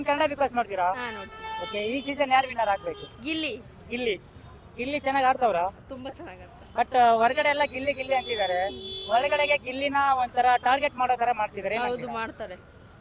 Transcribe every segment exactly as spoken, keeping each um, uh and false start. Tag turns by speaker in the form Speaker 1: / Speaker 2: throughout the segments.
Speaker 1: Kannada big boss ನೋಡ್ತೀರಾ?
Speaker 2: ಹಾ ನೋಡ್ತೀನಿ.
Speaker 1: ಓಕೆ, ಈ ಸೀಸನ್ ಯಾರು ವಿನ್ನರ್ ಆಗ್ಬೇಕು?
Speaker 2: ಗಿಲ್ಲಿ
Speaker 1: ಗಿಲ್ಲಿ ಗಿಲ್ಲಿ ಚೆನ್ನಾಗಿ ಆಡ್ತವ್ರ?
Speaker 2: ತುಂಬಾ ಚೆನ್ನಾಗಿ ಆಡ್ತಾರೆ.
Speaker 1: ಬಟ್ ಹೊರಗಡೆ ಎಲ್ಲ ಗಿಲ್ಲಿ ಗಿಲ್ಲಿ ಅಂತಿದ್ದಾರೆ. ಒಳಗಡೆಗೆ ಗಿಲ್ಲಿನ ಒಂಥರ ಟಾರ್ಗೆಟ್ ಮಾಡೋ ತರ ಮಾಡ್ತಿದ್ದಾರೆ.
Speaker 2: ಹೌದು ಮಾಡ್ತಾರೆ.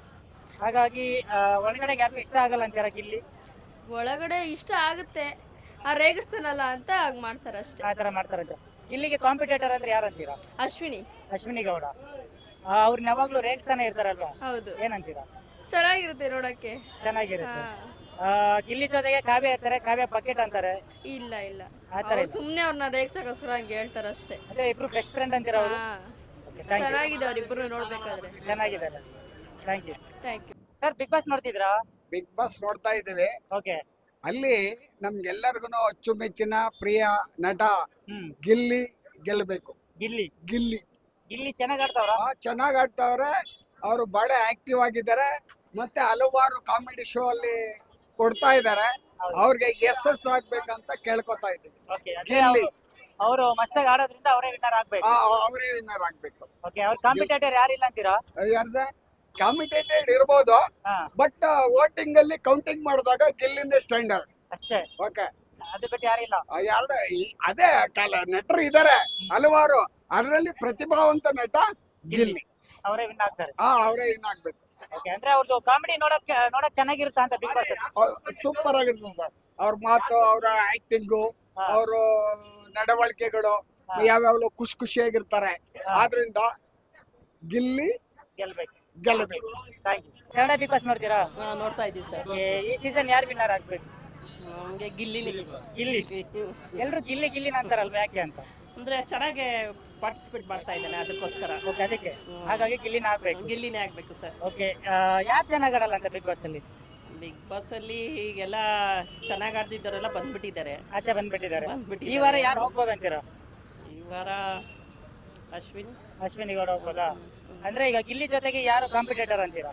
Speaker 1: ಹಾಗಾಗಿ ಆ, ಒಳಗಡೆಗೆ ಯಾರು ಇಷ್ಟ ಆಗಲ್ಲ ಅಂತೀರ ಗಿಲ್ಲಿ?
Speaker 2: ಒಳಗಡೆ ಇಷ್ಟ ಆಗುತ್ತೆ, ಆ ರೇಗಿಸ್ತಾನಲ್ಲ ಅಂತ ಹಂಗ್ ಮಾಡ್ತಾರೆ ಅಷ್ಟೇ.
Speaker 1: ಆ ತರ ಮಾಡ್ತಾರಂತೆ. ಇಲ್ಲಿಗೆ ಕಾಂಪಿಟೇಟರ್ ಅಂದ್ರೆ ಯಾರು ಅಂತೀರಾ?
Speaker 2: ಅಶ್ವಿನಿ.
Speaker 1: ಅಶ್ವಿನಿ ಗೌಡ. ಆ, ಅವ್ರನ್ನ ಯಾವಾಗ್ಲೂ ರೇಗಿಸ್ತಾನೆ ಇರ್ತಾರಲ್ವಾ,
Speaker 2: ಹೌದು,
Speaker 1: ಏನಂತೀರಾ?
Speaker 2: ಚೆನ್ನಾಗಿರುತ್ತೆ ನೋಡಕ್ಕೆ.
Speaker 1: ಚೆನ್ನಾಗಿರುತ್ತೆ.
Speaker 2: ಹಾ.
Speaker 1: ಆ, ಗಿಲ್ಲಿ ಜೊತೆಗೆ ಕಾವ್ಯ ಇರ್ತಾರೆ, ಕಾವ್ಯ ಬಕೆಟ್ ಅಂತಾರೆ.
Speaker 2: ಇಲ್ಲ ಇಲ್ಲ,
Speaker 1: ಆ ತರ
Speaker 2: ಅವ್ರು
Speaker 1: ಇಲ್ಲ.
Speaker 2: ಸುಮ್ನೆ ಅವ್ರನ್ನ ರೇಗ್ಸಕ್ಕೋಸ್ಕರ ಹಂಗೆ ಹೇಳ್ತಾರೆ ಅಷ್ಟೇ.
Speaker 1: ಅದೇ ಇಬ್ರು ಬೆಸ್ಟ್ ಫ್ರೆಂಡ್ ಅಂತೀರ ಅವರು?
Speaker 2: ಹಾ,
Speaker 1: thank you.
Speaker 2: ಚೆನ್ನಾಗಿದೆ ಅವ್ರಿಬ್ರು ನೋಡ್ಬೇಕಾದ್ರೆ.
Speaker 1: ಚೆನ್ನಾಗಿದೆ. Thank you.
Speaker 2: Thank you.
Speaker 1: Sir, big boss ನೋಡ್ತಿದ್ರಾ?
Speaker 3: ಬಿಗ್ ಬಾಸ್ ನೋಡ್ತಾ ಇದ್ದೀವಿ.
Speaker 1: ಓಕೆ.
Speaker 3: ಅಲ್ಲಿ ನಮ್ಗೆಲ್ಲರಿಗೂ ಅಚ್ಚುಮೆಚ್ಚಿನ ಪ್ರಿಯ ನಟ
Speaker 1: ಹ್ಮ್.
Speaker 3: ಗಿಲ್ಲಿ ಗೆಲ್ಲಬೇಕು.
Speaker 1: ಗಿಲ್ಲಿ
Speaker 3: ಗಿಲ್ಲಿ
Speaker 1: ಗಿಲ್ಲಿ ಚೆನ್ನಾಗ್ ಆಡ್ತಾವ್ರ?
Speaker 3: ಚೆನ್ನಾಗಿ ಆಡ್ತಾವ್ರೆ. ಅವರು ಬಹಳ ಆಕ್ಟಿವ್ ಆಗಿದ್ದಾರೆ. ಮತ್ತೆ ಹಲವಾರು ಕಾಮಿಡಿ ಶೋ ಅಲ್ಲಿ ಕೊಡ್ತಾ ಇದ್ದಾರೆ.
Speaker 1: ಹೌದು.
Speaker 3: ಅವ್ರಿಗೆ ಎಸ್ ಎಸ್ ಆಗ್ಬೇಕಂತ ಕೇಳ್ಕೊತಾ ಇದ್ದೀವಿ.
Speaker 1: ಓಕೆ.
Speaker 3: ಗಿಲ್ಲಿ
Speaker 1: ಅವರು ಮಸ್ತಾಗಿ ಆಡೋದ್ರಿಂದ ಅವರೇ ವಿನ್ನರ್ ಆಗ್ಬೇಕು.
Speaker 3: ಅವರೇ ವಿನ್ನರ್ ಆಗ್ಬೇಕು.
Speaker 1: ಓಕೆ, ಅವ್ರ ಕಾಂಪಿಟೇಟರ್ ಯಾರಿಲ್ಲ ಅಂತೀರಾ?
Speaker 3: ಯಾರ್ದ ಕಾಮಿಟೇಟೆಡ್ ಇರ್ಬೋದು,
Speaker 1: ಹಾ,
Speaker 3: ಬಟ್ ವೋಟಿಂಗ್ ಅಲ್ಲಿ ಕೌಂಟಿಂಗ್ ಮಾಡಿದಾಗ ಗಿಲ್ಲಿನೇ ಸ್ಟ್ಯಾಂಡರ್ಡ್.
Speaker 1: ಅಷ್ಟೇ.
Speaker 3: ಓಕೆ,
Speaker 1: ಅದು ಬಿಟ್ಟು ಯಾರಿಲ್ಲ.
Speaker 3: ಯಾರ ಅದೇ ಕಾಲ ನಟರು ಇದ್ದಾರೆ ಹಲವಾರು. ಅದರಲ್ಲಿ ಪ್ರತಿಭಾವಂತ ನಟ ಗಿಲ್ಲಿ.
Speaker 1: ಅವರೇ ವಿನ್ ಆಗ್ತಾರೆ.
Speaker 3: ಆ ಅವರೇ ಏನಾಗ್ಬೇಕು.
Speaker 1: ಓಕೆ, ಅಂದ್ರೆ ಅವ್ರದ್ದು ಕಾಮಿಡಿ ನೋಡಕ್ ನೋಡಕ್ ಚೆನ್ನಾಗಿರುತ್ತಾ ಅಂತ ಬಿಗ್ ಬಾಸ್?
Speaker 3: ಸೂಪರ್ ಆಗಿರ್ತದೆ ಸರ್. ಅವ್ರ ಮಾತು, ಅವರ ಆಕ್ಟಿಂಗು,
Speaker 1: ಹಾ.
Speaker 3: ಅವ್ರ ನಡವಳಿಕೆಗಳು
Speaker 1: ಹಾ.
Speaker 3: ಯಾವ್ಯಾವ್ದು ಖುಷಿ ಖುಷಿಯಾಗಿರ್ತಾರೆ.
Speaker 1: ಹಾ.
Speaker 3: ಆದ್ರಿಂದ ಗಿಲ್ಲಿ
Speaker 1: ಗೆಲ್ಬೇಕು.
Speaker 3: ಗೆಲ್ಲಬೇಕು.
Speaker 1: Thank you. Kannada big boss ನೋಡ್ತೀರಾ?
Speaker 2: ನೋಡ್ತಾ ಇದೀವಿ ಸರ್.
Speaker 1: Okay, ಈ ಸೀಸನ್ ಯಾರು ವಿನ್ನರ್ ಆಗ್ಬೇಕು?
Speaker 2: ನಮಗೆ ಗಿಲ್ಲಿನೇ.
Speaker 1: ಗಿಲ್ಲಿ. ಎಲ್ರು ಗಿಲ್ಲಿ ಗಿಲ್ಲಿನ ಅಂತಾರಲ್ವಾ, ಯಾಕೆ ಅಂತ?
Speaker 2: ಅಂದ್ರೆ ಚೆನ್ನಾಗಿ ಪಾರ್ಟಿಸಿಪೇಟ್ ಮಾಡ್ತಾ ಇದ್ದಾನೆ ಅದಕ್ಕೋಸ್ಕರ.
Speaker 1: ಓಕೆ, ಅದಕ್ಕೆ ಹಾಗಾಗಿ ಗಿಲ್ಲಿನ ಆಗ್ಬೇಕು.
Speaker 2: ಗಿಲ್ಲಿನೇ ಆಗ್ಬೇಕು ಸರ್.
Speaker 1: ಓಕೆ, ಯಾರು ಚೆನ್ನಾಗ್ ಆಡಲ್ಲ ಅಂತ ಬಿಗ್ ಬಾಸ್ ಅಲ್ಲಿ?
Speaker 2: ಬಿಗ್ ಬಾಸ್ ಅಲ್ಲಿ ಈಗೆಲ್ಲ ಚೆನ್ನಾಗಿ ಆಡ್ತಿದ್ದವರೆಲ್ಲ ಬಂದ್ಬಿಟ್ಟಿದ್ದಾರೆ.
Speaker 1: ಆಚೆ ಬಂದ್ಬಿಟ್ಟಿದ್ದಾರೆ.
Speaker 2: ಬಂದ್ಬಿಟ್ಟಿದ್ದಾರೆ.
Speaker 1: ಈ ವಾರ ಯಾರು ಹೋಗ್ಬೋದು ಅಂತೀರಾ?
Speaker 2: ಈ ವಾರ ಅಶ್ವಿನ್.
Speaker 1: ಅಶ್ವಿನಿ ಗೌಡ ಹೋಗ್ಬೋದಾ? ಅಂದ್ರೆ ಈಗ ಗಿಲ್ಲಿ ಜೊತೆಗೆ ಯಾರು ಕಾಂಪಿಟೇಟರ್ ಅಂತೀರಾ?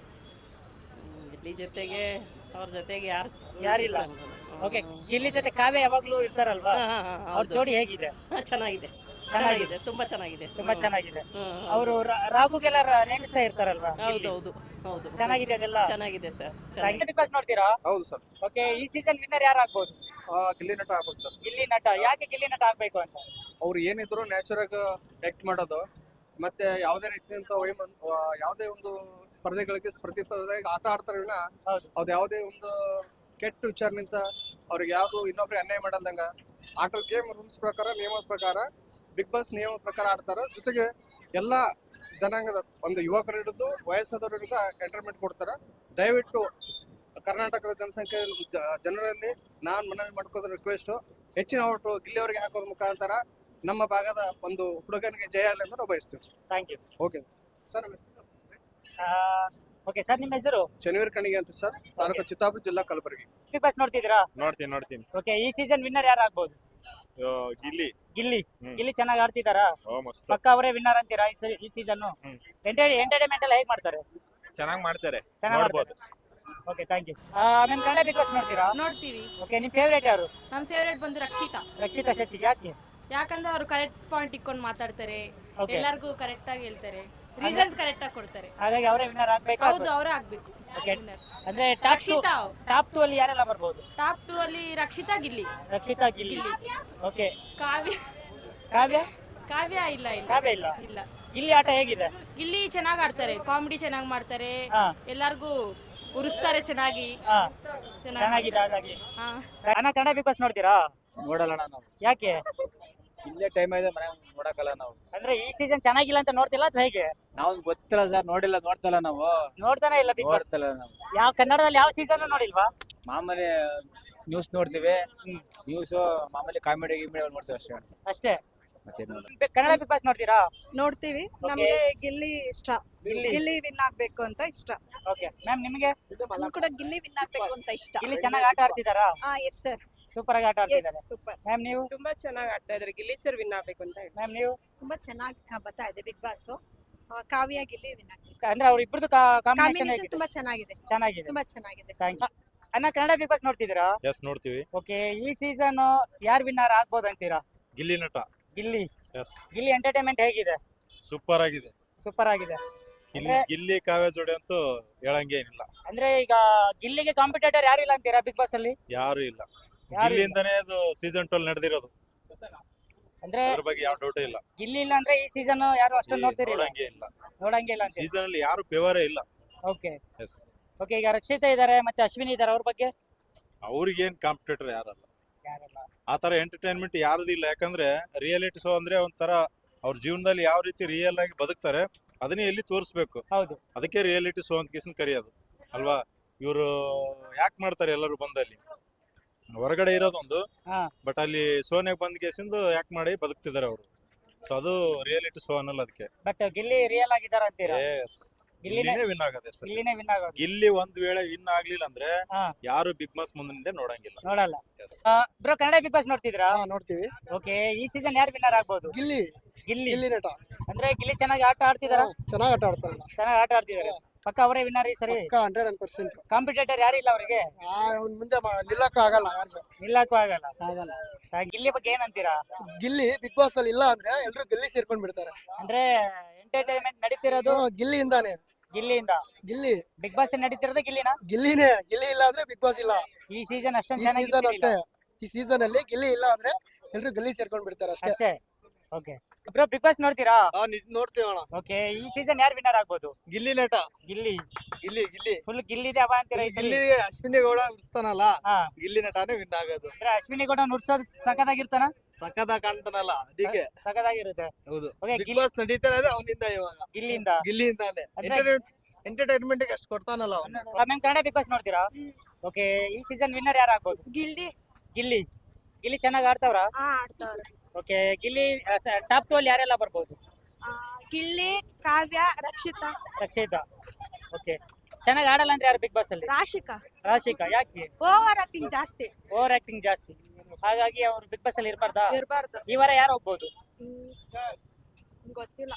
Speaker 2: ಗಿಲ್ಲಿ ಜೊತೆಗೆ ಅವ್ರ ಜೊತೆಗೆ ಯಾರು
Speaker 1: ಯಾರಿಲ್ಲ. ಓಕೆ, ಗಿಲ್ಲಿ ಜೊತೆ ಕಾವ್ಯ ಯಾವಾಗ್ಲೂ ಇರ್ತಾರಲ್ವಾ, ಅವ್ರ ಜೋಡಿ ಹೇಗಿದೆ?
Speaker 2: ಚೆನ್ನಾಗಿದೆ, ಚೆನ್ನಾಗಿದೆ, ತುಂಬಾ ಚೆನ್ನಾಗಿದೆ,
Speaker 1: ತುಂಬಾ ಚೆನ್ನಾಗಿದೆ.
Speaker 2: ಹ್ಮ್.
Speaker 1: ಅವರು ರಾಘುಗೆಲ್ಲ ನೇಮಿಸ್ತಾ ಇರ್ತಾರಲ್ವಾ?
Speaker 2: ಹೌದು ಹೌದು ಹೌದು,
Speaker 1: ಚೆನ್ನಾಗಿದೆ ಅದೆಲ್ಲ.
Speaker 2: ಚೆನ್ನಾಗಿದೆ ಸರ್.
Speaker 1: ಬಿಗ್ ಬಾಸ್ ನೋಡ್ತೀರಾ?
Speaker 4: ಹೌದು ಸರ್.
Speaker 1: ಓಕೆ, ಈ ಸೀಸನ್ ವಿನ್ನರ್ ಯಾರು ಆಗ್ಬೋದು?
Speaker 4: ಗಿಲ್ಲಿ ನಟ ಆಗ್ಬೇಕು ಸರ್.
Speaker 1: ಗಿಲ್ಲಿ ನಟ. ಯಾಕೆ ಗಿಲ್ಲಿ ನಟ ಆಗ್ಬೇಕು ಅಂತ?
Speaker 4: ಅವ್ರು ಏನಿದ್ರು ನ್ಯಾಚುರಲ್ ಆಗಿ ಆಕ್ಟ್ ಮಾಡೋದು, ಮತ್ತೆ ಯಾವುದೇ ರೀತಿಯಂತ ವೈಮನ್ ಯಾವುದೇ ಒಂದು ಸ್ಪರ್ಧೆಗಳಿಗೆ ಪ್ರತಿಸ್ಪರ್ಧೆಗೆ ಆಟ ಆಡ್ತಾರೆ ವಿನ
Speaker 1: ಹೌದು.
Speaker 4: ಅವ್ದು ಯಾವುದೇ ಒಂದು ಕೆಟ್ಟ ವಿಚಾರನಿಂದ ಅವ್ರಿಗೆ ಯಾವ್ದು ಇನ್ನೊಬ್ರಿಗೆ ಅನ್ಯಾಯ ಮಾಡಲ್ದಂಗ ಆಟದ ಗೇಮ್ ರೂಲ್ಸ್ ಪ್ರಕಾರ, ನಿಯಮದ ಪ್ರಕಾರ, ಬಿಗ್ ಬಾಸ್ ನಿಯಮದ ಪ್ರಕಾರ ಆಡ್ತಾರ. ಜೊತೆಗೆ ಎಲ್ಲಾ ಜನಾಂಗದ ಒಂದು ಯುವಕರು ಹಿಡಿದು ವಯಸ್ಸಾದವರಿಂದ ಎಂಟರ್ಟೈನ್ಮೆಂಟ್ ಕೊಡ್ತಾರ. ದಯವಿಟ್ಟು ಕರ್ನಾಟಕದ ಜನಸಂಖ್ಯೆ ಜನರಲ್ಲಿ ನಾನ್ ಮನವಿ ಮಾಡ್ಕೋದ್ರ ರಿಕ್ವೆಸ್ಟ್, ಹೆಚ್ಚಿನ ಓಟು ಗಿಲ್ಲಿ ಅವರಿಗೆ ಹಾಕೋದ್ರ ಮುಖಾಂತರ ನಮ್ಮ ಭಾಗದ ಒಂದು ಹುಡುಗನಿಗೆ ಜಯ ಆಗಲಿ ಅಂತ ನಾವು ಬಯಸ್ತೀವಿ.
Speaker 1: Thank you.
Speaker 4: Okay sir. ನಮ್ಮ ಹೆಸರು
Speaker 1: ಓಕೆ ಸರ್, ನಿಮ್ಮ ಹೆಸರು?
Speaker 4: ಶನಿವಾರ ಕಣಿಗೆ ಅಂತ ಸರ್, ತಾಲೂಕು ಚಿತ್ತಾಪುರ, ಜಿಲ್ಲಾ ಕಲಬುರಗಿ.
Speaker 1: ಬಿಗ್ ಬಾಸ್ ನೋಡ್ತಿದ್ದೀರಾ?
Speaker 5: ನೋಡ್ತೀನಿ ನೋಡ್ತೀನಿ
Speaker 1: ಓಕೆ, ಈ ಸೀಸನ್ ವಿನ್ನರ್ ಯಾರು ಆಗ್ಬೋದು?
Speaker 5: ಆ, ಗಿಲ್ಲಿ.
Speaker 1: ಗಿಲ್ಲಿ.
Speaker 5: ಹ್ಮ್.
Speaker 1: ಗಿಲ್ಲಿ ಚೆನ್ನಾಗಿ ಆಡ್ತಿದಾರಾ?
Speaker 5: ಓ ಮಸ್ತ್
Speaker 1: ಪಕ್ಕ ಅವರೇ ವಿನ್ನರ್ ಅಂತೀರಾ ಈ ಸ- ಈ ಸೀಸನ್?
Speaker 5: ಹ್ಮ್.
Speaker 1: ಎಂಟರ್ಟೈನ್ಮೆಂಟ್ ಎಲ್ಲ ಹೇಗ್ ಮಾಡ್ತಾರೆ?
Speaker 5: ಚೆನ್ನಾಗಿ ಮಾಡ್ತಾರೆ,
Speaker 1: ಚೆನ್ನಾಗಿ
Speaker 5: ನೋಡ್ಬೋದು.
Speaker 1: Okay, thank you. ನಿಮ್ ಕನ್ನಡ ಬಿಗ್ ಬಾಸ್ ನೋಡ್ತೀರಾ?
Speaker 6: ನೋಡ್ತೀವಿ.
Speaker 1: ಓಕೆ, ನಿಮ್ ಫೇವರೇಟ್ ಯಾರು?
Speaker 6: ನಮ್ಮ ಫೇವ್ರೇಟ್ ಬಂದು ರಕ್ಷಿತಾ.
Speaker 1: ರಕ್ಷಿತಾ ಶೆಟ್ಟಿ. ಯಾಕೆ?
Speaker 6: ಯಾಕಂದ್ರೆ ಅವರು ಕರೆಕ್ಟ್ ಪಾಯಿಂಟ್ ಇಟ್ಕೊಂಡು ಮಾತಾಡ್ತಾರೆ,
Speaker 1: Okay.
Speaker 6: ಎಲ್ಲರಿಗೂ ಕರೆಕ್ಟ್ ಆಗಿ ಹೇಳ್ತಾರೆ, ರೀಸನ್ಸ್ ಕರೆಕ್ಟ್ ಆಗಿ ಕೊಡ್ತಾರೆ.
Speaker 1: ಹಾಗಾಗಿ ಅವರೇ ವಿನ್ನರ್ ಆಗ್ಬೇಕು.
Speaker 6: ಹೌದು, ಅವರೇ ಆಗ್ಬೇಕು.
Speaker 1: Okay. ಅಂದ್ರೆ ಟಾಪ್
Speaker 6: ರಕ್ಷಿತಾ.
Speaker 1: ಟಾಪ್ ಟೂ ಅಲ್ಲಿ ಯಾರೆಲ್ಲ ಬರ್ಬೋದು?
Speaker 6: ಟಾಪ್ ಟೂ ಅಲ್ಲಿ ರಕ್ಷಿತಾ, ಗಿಲ್ಲಿ.
Speaker 1: ರಕ್ಷಿತಾ, ಗಿಲ್ಲಿ. ಓಕೆ,
Speaker 6: ಕಾವ್ಯ
Speaker 1: ಕಾವ್ಯ?
Speaker 6: ಕಾವ್ಯ ಇಲ್ಲ ಇಲ್ಲ
Speaker 1: ಕಾವ್ಯ ಇಲ್ಲ.
Speaker 6: ಇಲ್ಲ.
Speaker 1: ಗಿಲ್ಲಿ ಆಟ ಹೇಗಿದೆ?
Speaker 6: ಗಿಲ್ಲಿ ಚೆನ್ನಾಗಿ ಆಡ್ತಾರೆ, ಕಾಮಿಡಿ ಚೆನ್ನಾಗಿ ಮಾಡ್ತಾರೆ,
Speaker 1: ಹಾ.
Speaker 6: ಎಲ್ಲರಿಗೂ ಉರಿಸ್ತಾರೆ ಚೆನ್ನಾಗಿ.
Speaker 1: ಹಾ,
Speaker 6: ಚೆನ್ನಾಗಿ
Speaker 1: ಚೆನ್ನಾಗಿದೆ. ಹಾಗಾಗಿ
Speaker 6: ಹಾ.
Speaker 1: ಅಣ್ಣ, ಕನ್ನಡ ಬಿಗ್ ಬಾಸ್ ನೋಡ್ತೀರಾ?
Speaker 7: ನೋಡಲ್ಲ ನಾವು.
Speaker 1: ಯಾಕೆ?
Speaker 7: ಇಲ್ಲೇ ಟೈಮ್ ಇದೆ, ಮನೆ ನೋಡಕಲ್ಲ ನಾವು.
Speaker 1: ಅಂದ್ರೆ ಈ ಸೀಸನ್ ಚೆನ್ನಾಗಿಲ್ಲ ಅಂತ ನೋಡ್ತಿಲ್ಲ ಅಥವಾ ಹೇಗೆ?
Speaker 7: ನಾವು ಗೊತ್ತಿಲ್ಲ ಸರ್, ನೋಡಿಲ್ಲ, ನೋಡ್ತಲ್ಲ ನಾವು.
Speaker 1: ನೋಡ್ತಾನೆ ಇಲ್ಲ ಬಿಗ್ ಬಾಸ್?
Speaker 7: ನೋಡ್ತಲ್ಲ ನಾವು.
Speaker 1: ಯಾವ ಕನ್ನಡದಲ್ಲಿ ಯಾವ ಸೀಸನ್ ನೋಡಿಲ್ವಾ?
Speaker 7: ಮಾಮೂಲಿ ನ್ಯೂಸ್ ನೋಡ್ತೀವಿ.
Speaker 1: ಹ್ಮ್.
Speaker 7: ನ್ಯೂಸ್ ಮಾಮೂಲಿ ಕಾಮಿಡಿ ಗಿಮಿಡಿ ನೋಡ್ತೀವಿ ಅಷ್ಟೇ.
Speaker 1: ಅಷ್ಟೇ.
Speaker 7: ಮತ್ತೆ ನೋಡಿ.
Speaker 1: ಬೆ- ಕನ್ನಡ ಬಿಗ್ ಬಾಸ್ ನೋಡ್ತೀರಾ?
Speaker 8: ನೋಡ್ತೀವಿ. ನಮ್ಗೆ ಗಿಲ್ಲಿ ಇಷ್ಟ,
Speaker 1: ಗಿಲ್ಲಿ.
Speaker 8: ಗಿಲ್ಲಿ ವಿನ್ ಆಗ್ಬೇಕು ಅಂತ ಇಷ್ಟ.
Speaker 1: ಓಕೆ ಮ್ಯಾಮ್, ನಿಮಗೆ?
Speaker 8: ನಮ್ಗೂ ಕೂಡ ಗಿಲ್ಲಿ ವಿನ್ ಆಗ್ಬೇಕು ಅಂತ ಇಷ್ಟ.
Speaker 1: ಗಿಲ್ಲಿ ಚೆನ್ನಾಗಿ ಆಟ ಆಡ್ತಿದಾರಾ?
Speaker 8: ಹಾ, ಎಸ್ ಸರ್,
Speaker 1: ಸೂಪರ್ ಆಗಿ ಆಟ
Speaker 8: ಎಸ್
Speaker 1: ಆಡ್ತಿದ್ದಾರೆ.
Speaker 8: ಸೂಪರ್.
Speaker 1: ಮ್ಯಾಮ್, ನೀವು?
Speaker 6: ತುಂಬಾ ಚೆನ್ನಾಗಿ ಆಡ್ತಾ ಇದ್ದಾರೆ, ಗಿಲ್ಲಿ ಸರ್ ವಿನ್ ಆಗ್ಬೇಕು ಅಂತ ಹೇಳಿ.
Speaker 1: ಮ್ಯಾಮ್, ನೀವು?
Speaker 8: ತುಂಬಾ ಚೆನ್ನಾಗಿ ಬರ್ತಾ ಇದೆ big boss. Kavya Gilli win ಆಗ್ಬೇಕು.
Speaker 1: ಅಂದ್ರೆ ಅವ್ರ ಇಬ್ಬರದು ಕಾಂಬಿನೇಷನ್
Speaker 8: ಕಾಂಬಿನೇಷನ್ ತುಂಬಾ ಚೆನ್ನಾಗಿದೆ,
Speaker 1: ಚೆನ್ನಾಗಿದೆ.
Speaker 8: ತುಂಬಾ ಚೆನ್ನಾಗಿದೆ.
Speaker 1: Thank you. ಅಣ್ಣ, ಕನ್ನಡ ಬಿಗ್ ಬಾಸ್ ನೋಡ್ತಿದ್ದೀರಾ?
Speaker 5: ಎಸ್ ನೋಡ್ತೀವಿ.
Speaker 1: ಓಕೆ, ಈ ಸೀಸನ್ ಯಾರು ವಿನ್ನರ್ ಆಗ್ಬೋದು ಅಂತೀರಾ?
Speaker 5: ಗಿಲ್ಲಿ ನಟ.
Speaker 1: ಗಿಲ್ಲಿ.
Speaker 5: ಎಸ್
Speaker 1: ಗಿಲ್ಲಿ ಎಂಟರ್ಟೈನ್ಮೆಂಟ್ ಹೇಗಿದೆ?
Speaker 5: ಸೂಪರ್ ಆಗಿದೆ.
Speaker 1: ಸೂಪರ್ ಆಗಿದೆ.
Speaker 5: ಗಿಲ್ಲಿ ಗಿಲ್ಲಿ ಕಾವ್ಯ ಜೋಡಿ ಅಂತೂ ಹೇಳಂಗೆ ಏನಿಲ್ಲ,
Speaker 1: ಅಂದ್ರೆ ಈಗ ಗಿಲ್ಲಿಗೆ ಕಾಂಪಿಟೇಟರ್ ಯಾರು ಇಲ್ಲ ಅಂತೀರಾ ಬಿಗ್ ಬಾಸ್ ಅಲ್ಲಿ?
Speaker 5: ಯಾರು ಇಲ್ಲ.
Speaker 1: ಯಾರು ಇಲ್ಲ.
Speaker 5: ಗಿಲ್ಲಿಂದಾನೇ ಅದು ಸೀಸನ್ ಟ್ವೆಲ್ ನಡೆದಿರೋದು,
Speaker 1: ಅಂದ್ರೆ
Speaker 5: ಅದ್ರ ಬಗ್ಗೆ ಯಾವ ಡೌಟ್ ಇಲ್ಲ.
Speaker 1: ಗಿಲ್ಲಿ ಇಲ್ಲ ಅಂದ್ರೆ ಈ ಸೀಸನ್ ಯಾರು ಅಷ್ಟೊಂದು ನೋಡ್ತಿರಿಲ್ಲ,
Speaker 5: ನೋಡಂಗೆ ಇಲ್ಲ,
Speaker 1: ನೋಡಂಗೆ ಇಲ್ಲ ಅಂತ.
Speaker 5: ಸೀಸನ್ ಅಲ್ಲಿ ಯಾರು ಫೇವರೇ ಇಲ್ಲ.
Speaker 1: Okay
Speaker 5: yes,
Speaker 1: okay. ಈಗ ರಕ್ಷಿತಾ ಇದಾರೆ ಮತ್ತೆ ಅಶ್ವಿನಿ ಇದಾರೆ, ಅವ್ರ ಬಗ್ಗೆ
Speaker 5: ಅವ್ರಿಗೇನ್ ಕಾಂಪಿಟೇಟರ್ ಯಾರಲ್ಲ.
Speaker 1: ಯಾರಲ್ಲ?
Speaker 5: ಆ ತರ ಎಂಟರ್ಟೈನ್ಮೆಂಟ್ ಯಾರದು ಇಲ್ಲ. ಯಾಕಂದ್ರೆ ರಿಯಾಲಿಟಿ ಶೋ ಅಂದ್ರೆ ಒಂಥರ ಅವ್ರ ಜೀವನದಲ್ಲಿ ಯಾವ ರೀತಿ ರಿಯಲ್ ಆಗಿ ಬದುಕ್ತಾರೆ ಅದನ್ನೇ ಎಲ್ಲಿ ತೋರಿಸ್ಬೇಕು.
Speaker 1: ಹೌದು,
Speaker 5: ಅದಕ್ಕೆ ರಿಯಾಲಿಟಿ ಶೋ ಅಂತ ಕಿಸ್ನ್ ಕರೆಯೋದು ಅಲ್ವಾ. ಇವರು ಯಾಕೆ ಮಾಡ್ತಾರೆ ಎಲ್ಲರೂ ಬಂದಲ್ಲಿ, ಹೊರಗಡೆ ಇರೋದೊಂದು,
Speaker 1: ಹಾ.
Speaker 5: ಬಟ್ ಅಲ್ಲಿ ಶೋನ್ಯಾಗ ಬಂದ್ ಕೇಸಿಂದು ಯಾಕೆ ಮಾಡಿ ಬದುಕ್ತಿದಾರೆ ಅವರು. ಸೊ ಅದು ರಿಯಾಲಿಟಿ ಶೋ ಅನ್ನಲ್ಲ ಅದಕ್ಕೆ.
Speaker 1: ಬಟ್ ಗಿಲ್ಲಿ ರಿಯಲ್ ಆಗಿದಾರ ಅಂತೀರಾ?
Speaker 5: ಎಸ್,
Speaker 1: ಗಿಲ್ಲಿನೇ
Speaker 5: ಗಿಲ್ಲಿನೇ ವಿನ್ ಆಗೋದು ಅಷ್ಟೇ.
Speaker 1: ಗಿಲ್ಲಿನೇ ವಿನ್ ಆಗೋದು.
Speaker 5: ಗಿಲ್ಲಿ ಒಂದ್ ವೇಳೆ ವಿನ್ ಆಗ್ಲಿಲ್ಲ ಅಂದ್ರೆ
Speaker 1: ಹಾ.
Speaker 5: ಯಾರು ಬಿಗ್ ಬಾಸ್ ಮುಂದೆ ನೋಡಂಗಿಲ್ಲ.
Speaker 1: ನೋಡಲ್ಲ.
Speaker 5: Yes.
Speaker 1: Bro, Kannada big boss ನೋಡ್ತಿದ್ರಾ?
Speaker 3: ಹಾ ನೋಡ್ತೀವಿ.
Speaker 1: ಓಕೆ, ಈ ಸೀಸನ್ ಯಾರು ವಿನ್ನರ್ ಆಗ್ಬೋದು?
Speaker 3: ಗಿಲ್ಲಿ
Speaker 1: ಗಿಲ್ಲಿ.
Speaker 3: ಗಿಲ್ಲಿ ನಟ
Speaker 1: ಅಂದ್ರೆ ಗಿಲ್ಲಿ ಚೆನ್ನಾಗಿ ಆಟ ಆಡ್ತಿದಾರ?
Speaker 3: ಚೆನ್ನಾಗಿ ಆಟ ಆಡ್ತಾರಲ್ಲ,
Speaker 1: ಚೆನ್ನಾಗಿ ಆಟ ಆಡ್ತಿದಾರೆ. ಪಕ್ಕ ಅವರೇ ವಿನ್ನರ್ ಈ ಸರಿ.
Speaker 3: Hundred and percent.
Speaker 1: ಕಾಂಪಿಟೇಟರ್ ಯಾರು ಇಲ್ಲ ಅವರಿಗೆ,
Speaker 3: ಅವ್ನ ಮುಂದೆ ನಿಲ್ಲಕ್ಕೂ ಆಗಲ್ಲ, ಯಾರಿಗೂ
Speaker 1: ನಿಲ್ಲಕ್ಕೂ ಆಗಲ್ಲ.
Speaker 3: ಆಗಲ್ಲ.
Speaker 1: ಆ, ಗಿಲ್ಲಿ ಬಗ್ಗೆ ಏನಂತೀರಾ?
Speaker 3: ಗಿಲ್ಲಿ ಬಿಗ್ ಬಾಸ್ ಅಲ್ಲಿ ಇಲ್ಲ ಅಂದ್ರೆ ಎಲ್ರು ಗಿಲ್ಲಿ ಸೇರ್ಕೊಂಡ್ ಬಿಡ್ತಾರೆ.
Speaker 1: ಅಂದ್ರೆ ಎಂಟರ್ಟೈನ್ಮೆಂಟ್ ನಡೀತಿರೋದು
Speaker 3: ಹಾ, ಗಿಲ್ಲಿಯಿಂದಾನೆ.
Speaker 1: ಗಿಲ್ಲಿಯಿಂದ.
Speaker 3: ಗಿಲ್ಲಿ
Speaker 1: ಬಿಗ್ ಬಾಸ್ ನಡೀತಿರೋದು ಗಿಲ್ಲಿನ.
Speaker 3: ಗಿಲ್ಲಿನೇ. ಗಿಲ್ಲಿ ಇಲ್ಲ ಅಂದ್ರೆ ಬಿಗ್ ಬಾಸ್ ಇಲ್ಲ.
Speaker 1: ಈ ಸೀಸನ್ ಅಷ್ಟೊಂದು
Speaker 3: ಈ
Speaker 1: ಚೆನ್ನಾಗಿ
Speaker 3: ಸೀಸನ್ ಅಷ್ಟೇ. ಈ ಸೀಸನ್ ಅಲ್ಲಿ ಗಿಲ್ಲಿ ಇಲ್ಲ ಅಂದ್ರೆ ಎಲ್ರು ಗಿಲ್ಲಿ ಸೇರ್ಕೊಂಡ್ ಬಿಡ್ತಾರೆ ಅಷ್ಟೇ.
Speaker 1: ಅಷ್ಟೇ. ಓಕೆ ಬ್ರೋ, ಬಿಗ್ ಬಾಸ್ ನೋಡ್ತೀರಾ?
Speaker 3: ನೋಡ್ತೀವಣ.
Speaker 1: ಓಕೆ, ಈ ಸೀಸನ್ ಯಾರು ವಿನ್ನರ್ ಆಗ್ಬೋದು?
Speaker 3: ಗಿಲ್ಲಿ ನಟ.
Speaker 1: ಗಿಲ್ಲಿ.
Speaker 3: ಗಿಲ್ಲಿ ಗಿಲ್ಲಿ
Speaker 1: ಫುಲ್ ಗಿಲ್ಲಿದೆ ಹವಾ ಅಂತೀರಾ ಈ ಸರಿ?
Speaker 3: ಗಿಲ್ಲಿ ಅಶ್ವಿನಿ ಗೌಡ ಉಡ್ಸ್ತಾನಲ್ಲ,
Speaker 1: ಹಾ.
Speaker 3: ಗಿಲ್ಲಿ ನಟಾನೇ ವಿನ್ ಆಗೋದು.
Speaker 1: ಅಂದ್ರೆ ಅಶ್ವಿನಿ ಕೂಡ ನುಡ್ಸೋದು ಸಖತ್ತಾಗಿರ್ತಾನ,
Speaker 3: ಸಖತ್ ಕಾಣ್ತಾನಲ್ಲ ಅದಕ್ಕೆ.
Speaker 1: ಸಖತ್ತಾಗಿರುತ್ತೆ.
Speaker 3: ಹೌದು,
Speaker 1: ಓಕೆ,
Speaker 3: ಬಿಗ್
Speaker 1: ಗಿಲ್ಲಿ
Speaker 3: ಬಾಸ್ ನಡೀತಾ ಇರೋದು ಅವನಿಂದ ಇವಾಗ.
Speaker 1: ಗಿಲ್ಲಿಯಿಂದ.
Speaker 3: ಗಿಲ್ಲಿಯಿಂದಾನೆ.
Speaker 1: ಅಂದ್ರೆ-
Speaker 3: ಎಂಟರ್ಟೈನ್ಮೆಂಟ್ ಅಷ್ಟು ಕೊಡ್ತಾನಲ್ಲ ಅವನು.
Speaker 1: ಮ್ಯಾಮ್, ಕನ್ನಡ ಬಿಗ್ ಬಾಸ್ ನೋಡ್ತೀರಾ? ಓಕೆ, ಈ ಸೀಸನ್ ವಿನ್ನರ್ ಯಾರು ಆಗ್ಬೋದು?
Speaker 6: ಗಿಲ್ಲಿ
Speaker 1: ಗಿಲ್ಲಿ. ಗಿಲ್ಲಿ ಚೆನ್ನಾಗಿ ಆಡ್ತಾವ್ರ?
Speaker 6: ಆಡ್ತಾವ್ರೆ.
Speaker 1: ಓಕೆ, ಗಿಲ್ಲಿ ಟಾಪ್ ಟು ಅಲ್ಲಿ ಯಾರೆಲ್ಲ ಬರ್ಬೋದು?
Speaker 6: ಗಿಲ್ಲಿ, ಕಾವ್ಯ, ರಕ್ಷಿತಾ,
Speaker 1: ರಕ್ಷಿತಾ. ಓಕೆ, ಚೆನ್ನಾಗಿ ಆಡಲ್ಲ ಅಂದ್ರೆ ಯಾರು ಬಿಗ್ ಬಾಸ್ ಅಲ್ಲಿ?
Speaker 6: ರಾಶಿಕಾ.
Speaker 1: ರಾಶಿಕಾ. ಯಾಕೆ?
Speaker 6: ಓವರ್ ಆಕ್ಟಿಂಗ್ ಜಾಸ್ತಿ
Speaker 1: ಓವರ್ ಆಕ್ಟಿಂಗ್ ಜಾಸ್ತಿ, ಹಾಗಾಗಿ ಅವ್ರು ಬಿಗ್ ಬಾಸ್ ಅಲ್ಲಿ ಇರ್ಬಾರ್ದಾ?
Speaker 6: ಇರಬಾರ್ದು.
Speaker 1: ಈ ವಾರ ಯಾರು ಹೋಗ್ಬೋದು?
Speaker 6: ಗೊತ್ತಿಲ್ಲ.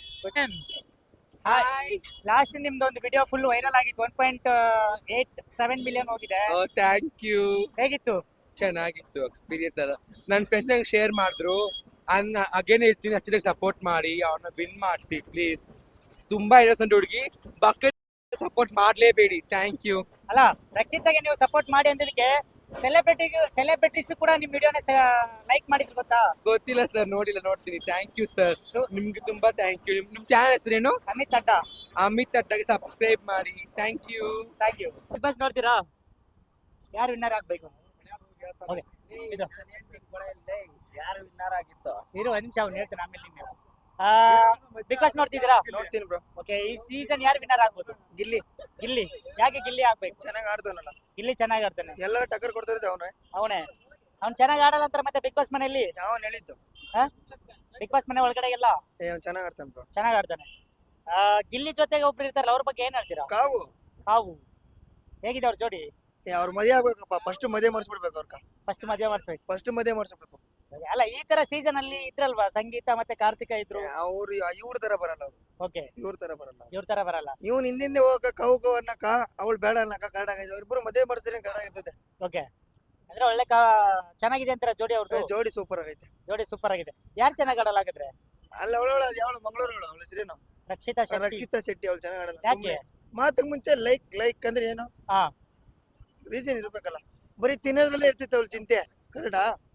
Speaker 1: ಲಾಸ್ಟ್ ನಿಮ್ದು ಒಂದು ವಿಡಿಯೋ ಫುಲ್ ವೈರಲ್ ಆಗಿತ್ತು, one point eight seven million ಹೋಗಿದೆ.
Speaker 9: Thank you.
Speaker 1: ಹೇಗಿತ್ತು?
Speaker 9: ಚೆನ್ನಾಗಿತ್ತು ಎಕ್ಸ್ಪೀರಿಯನ್ಸ್. ಅಲ್ಲ, ನನ್ನ ಫ್ರೆಂಡ್ಸ್ ನಂಗೆ ಶೇರ್ ಮಾಡಿದ್ರು. ಅನ್ನ ಅಗೇನ್ ಹೇಳ್ತೀನಿ, ಹಚ್ಚಿದಾಗ ಸಪೋರ್ಟ್ ಮಾಡಿ, ಅವ್ರನ್ನ ವಿನ್ ಮಾಡಿಸಿ ಪ್ಲೀಸ್. ತುಂಬಾ ಇನ್ನೋಸೆಂಟ್ ಹುಡುಗಿ, ಬಕೆಟ್ ಸಪೋರ್ಟ್ ಮಾಡಲೇಬೇಡಿ. Thank you.
Speaker 1: ಅಲ್ಲ, ರಕ್ಷಿತಾಗೆ ನೀವು ಸಪೋರ್ಟ್ ಮಾಡಿ ಅಂದಿದ್ದಕ್ಕೆ ಸೆಲೆಬ್ರಿಟಿಗೆ ಸೆಲೆಬ್ರಿಟೀಸ್ ಕೂಡ ನಿಮ್ ವಿಡಿಯೋನ ಲೈಕ್ ಮಾಡಿದ್ರು ಗೊತ್ತಾ?
Speaker 9: ಗೊತ್ತಿಲ್ಲ ಸರ್, ನೋಡಿಲ್ಲ, ನೋಡ್ತೀನಿ. ಥ್ಯಾಂಕ್ ಯು ಸರ್, ನಿಮ್ಗೆ ತುಂಬಾ ಥ್ಯಾಂಕ್ ಯು. ನಿಮ್ ಚಾನಲ್ ಹೆಸರೇನು?
Speaker 1: ಅಮಿತ್ ಅಡ್ಡ.
Speaker 9: ಅಮಿತ್ ಅಡ್ಡಗೆ ಸಬ್ಸ್ಕ್ರೈಬ್ ಮಾಡಿ. Thank you.
Speaker 1: Thank you. Big boss ನೋಡ್ತೀರಾ? ಯಾರು ವಿನ್ನರ್ ಆಗ್ಬೇಕು? ಓಕೆ, ಇದು
Speaker 7: ಯಾರು ವಿನ್ನರ್ ಆಗಿತ್ತು?
Speaker 1: ಇರು ಒಂದ್ ನಿಮಿಷ, ಅವ್ನು ಹೇಳ್ತಾನೆ ಆಮೇಲೆ ನೀವು. ಬಿಗ್ ಬಾಸ್ ನೋಡ್ತಿದ್ದೀರಾ?
Speaker 3: ನೋಡ್ತೀನಿ ಬ್ರೋ.
Speaker 1: ಓಕೆ, ಈ ಸೀಸನ್ ಯಾರು ವಿನ್ನರ್ ಆಗ್ಬೋದು?
Speaker 3: ಗಿಲ್ಲಿ
Speaker 1: ಗಿಲ್ಲಿ. ಯಾಕೆ ಗಿಲ್ಲಿ ಆಗ್ಬೇಕು?
Speaker 3: ಚೆನ್ನಾಗಿ ಆಡ್ತಾನಲ್ಲ,
Speaker 1: ಗಿಲ್ಲಿ ಚೆನ್ನಾಗಿ ಆಡ್ತಾನೆ.
Speaker 3: ಎಲ್ಲರೂ ಟಕ್ಕರ್ ಕೊಡ್ತಾ ಇರೋದು ಅವನೇ.
Speaker 1: ಅವನೇ. ಅವ್ನು ಚೆನ್ನಾಗಿ ಆಡಲ್ಲ ಅಂತಾರೆ ಮತ್ತೆ ಬಿಗ್ ಬಾಸ್ ಮನೆಯಲ್ಲಿ.
Speaker 3: ಯಾವನ್ ಹೇಳಿದ್ದು?
Speaker 1: ಬಿಗ್ ಬಾಸ್ ಮನೆ ಒಳಗಡೆ ಎಲ್ಲ
Speaker 3: ಏ ಅವ್ನು ಚೆನ್ನಾಗಿ ಆಡ್ತಾನೆ ಬ್ರೋ.
Speaker 1: ಚೆನ್ನಾಗಿ ಆಡ್ತಾನೆ. ಆ, ಗಿಲ್ಲಿ ಜೊತೆಗೆ ಒಬ್ರು ಇರ್ತಾರಲ್ಲ, ಅವ್ರ ಬಗ್ಗೆ ಏನ್ ಹೇಳ್ತೀರಾ?
Speaker 3: ಕಾವು
Speaker 1: ಕಾವು. ಹೇಗಿದೆ ಅವ್ರ ಜೋಡಿ?
Speaker 3: ಏ ಅವ್ರ ಮದುವೆ ಆಗ್ಬೇಕಪ್ಪ, ಫಸ್ಟ್ ಮದುವೆ ಮಾಡಿಸ್ಬಿಡ್ಬೇಕು ಅವ್ರ.
Speaker 1: ಫಸ್ಟ್ ಮದುವೆ ಮಾಡಿಸ್ಬೇಕು.
Speaker 3: ಫಸ್ಟ್ ಮದುವೆ ಮಾಡಿಸ್ಬೇಕು.
Speaker 1: ಅಲ್ಲ, ಈ ತರ ಸೀಸನ್ ಅಲ್ಲಿ ಇದ್ರಲ್ವಾ, ಸಂಗೀತ ಮತ್ತೆ ಕಾರ್ತಿಕ ಇದ್ರು.
Speaker 3: ಅವ್ರು ಇವ್ರ ತರ ಬರಲ್ಲ, ಅವ್ರು
Speaker 1: ಓಕೆ,
Speaker 3: ಇವ್ರ ತರ ಬರಲ್ಲ.
Speaker 1: ಇವ್ರ ತರ ಬರಲ್ಲ.
Speaker 3: ಇವ್ನ ಹಿಂದಿಂದೆ ಹೋಗಕ ಕವು ಕವು ಅನ್ನಕ, ಅವಳು ಬೇಡ ಅನ್ನಕ ಕನ್ನಡ ಆಗೈತೆ. ಅವ್ರಿಬ್ರು ಮದುವೆ ಮಾಡಿಸಿದ್ರೆ ಕನ್ನಡ ಇರ್ತದೆ.
Speaker 1: ಓಕೆ, ಅಂದ್ರೆ ಒಳ್ಳೆ ಕಾ ಚೆನ್ನಾಗಿದೆ ಅಂತೀರಾ ಜೋಡಿ ಅವ್ರದ್ದು?
Speaker 3: ಜೋಡಿ ಸೂಪರ್ ಆಗೈತೆ.
Speaker 1: ಜೋಡಿ ಸೂಪರ್ ಆಗಿದೆ. ಯಾರು ಚೆನ್ನಾಗಿ ಆಡಲ್ಲ ಹಾಗಾದ್ರೆ?
Speaker 3: ಅಲ್ಲ ಅವಳು ಯಾವಳು ಮಂಗಳೂರು, ಅವಳು ಅವಳ ಹೆಸರೇನು?
Speaker 1: ರಕ್ಷಿತಾ ಶೆಟ್ಟಿ.
Speaker 3: ರಕ್ಷಿತಾ ಶೆಟ್ಟಿ. ಅವಳು ಚೆನ್ನಾಗಿ ಆಡಲ್ಲ.
Speaker 1: ಯಾಕೆ?
Speaker 3: ಸುಮ್ನೆ ಮಾತಕ್ ಮುಂಚೆ ಲೈಕ್ ಲೈಕ್ ಅಂದ್ರೆ ಏನು
Speaker 1: ಹಾ.
Speaker 3: ರೀಸನ್ ಇರ್ಬೇಕಲ್ಲ. ಬರೀ ತಿನ್ನೋದ್ರಲ್ಲೇ ಇರ್ತಿತ್ತು ಅವಳು ಚಿಂತೆ. ಕನ್ನಡ